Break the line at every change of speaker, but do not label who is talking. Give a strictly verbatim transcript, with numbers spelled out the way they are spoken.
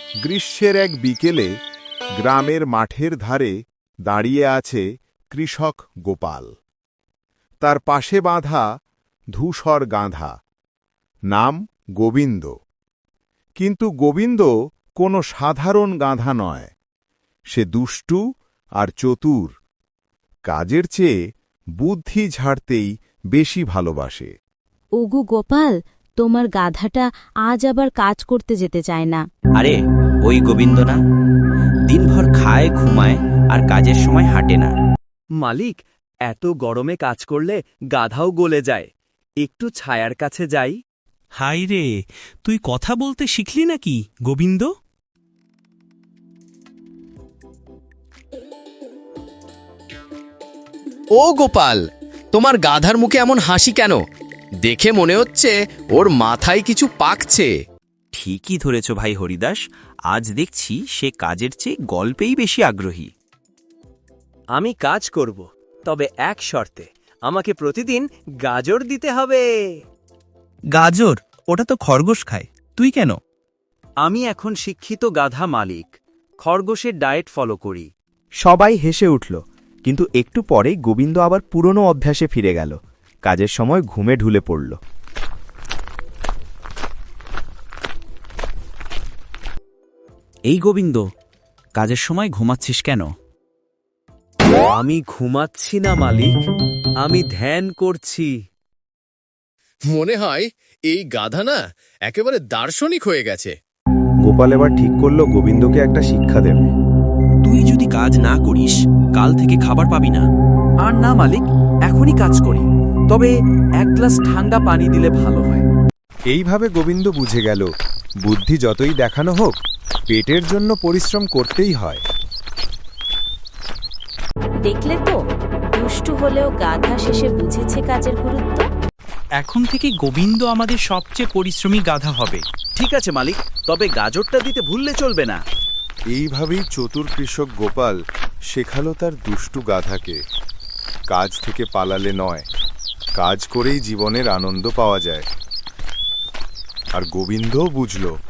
গ্রীষ্মের এক বিকেলে গ্রামের মাঠের ধারে দাঁড়িয়ে আছে কৃষক গোপাল। তার পাশে বাঁধা ধূসর গাধা, নাম গোবিন্দ। কিন্তু গোবিন্দ কোনো সাধারণ গাধা নয়, সে দুষ্টু আর চতুর, কাজের চেয়ে বুদ্ধি ঝাড়তেই বেশি ভালোবাসে।
ওগো গোপাল, তোমার গাধাটা আজ আবার কাজ করতে যেতে চায় না।
আরে ওই গোবিন্দ না, দিনভর খায় ঘুমায় আর কাজের সময় হাঁটে না।
মালিক, এত গরমে কাজ করলে গাধাও গলে যায়, একটু ছায়ার কাছে যাই।
হাই রে, তুই কথা বলতে শিখলি নাকি গোবিন্দ?
ও গোপাল, তোমার গাধার মুখে এমন হাসি কেন? দেখে মনে হচ্ছে ওর মাথায় কিছু পাকছে।
ঠিকই ধরেছ ভাই হরিদাস, আজ দেখছি সে কাজের চেয়ে গল্পেই বেশি আগ্রহী।
আমি কাজ করব, তবে এক শর্তে, আমাকে প্রতিদিন গাজর দিতে হবে।
গাজর? ওটা তো খরগোশ খায়, তুই কেন?
আমি এখন শিক্ষিত গাধা মালিক, খরগোশের ডায়েট ফলো করি।
সবাই হেসে উঠল, কিন্তু একটু পরেই গোবিন্দ আবার পুরনো অভ্যাসে ফিরে গেল। কাজের সময় ঘুমে ঢুলে পড়ল।
এই গোবিন্দ, কাজের সময় ঘুমাচ্ছিস কেন?
আমি ঘুমাচ্ছি না মালিক, আমি ধ্যান করছি।
মনে হয় এই গাধা না একেবারে দার্শনিক হয়ে গেছে।
গোপাল এবার ঠিক করল গোবিন্দকে একটা শিক্ষা দেবে।
তুই যদি কাজ না করিস, কাল থেকে খাবার পাবি না।
আর না মালিক, এখনই কাজ করি, তবে এক গ্লাস ঠান্ডা পানি দিলে ভালো হয়।
এইভাবে গোবিন্দ বুঝে গেল, বুদ্ধি যতই দেখানো হোক, পেটের জন্য পরিশ্রম করতেই হয়।
দেখলে তো, দুষ্টু হলেও গাধা শেষে বুঝেছে কাজের গুরুত্ব।
এখন থেকে গোবিন্দ আমাদের সবচেয়ে পরিশ্রমী গাধা হবে।
ঠিক আছে মালিক, তবে গাজরটা দিতে ভুললে চলবে না।
এইভাবেই চতুর কৃষক গোপাল শেখালো তার দুষ্টু গাধাকে, কাজ থেকে পালালে নয়, কাজ করেই জীবনের আনন্দ পাওয়া যায়। আর গোবিন্দও বুঝল,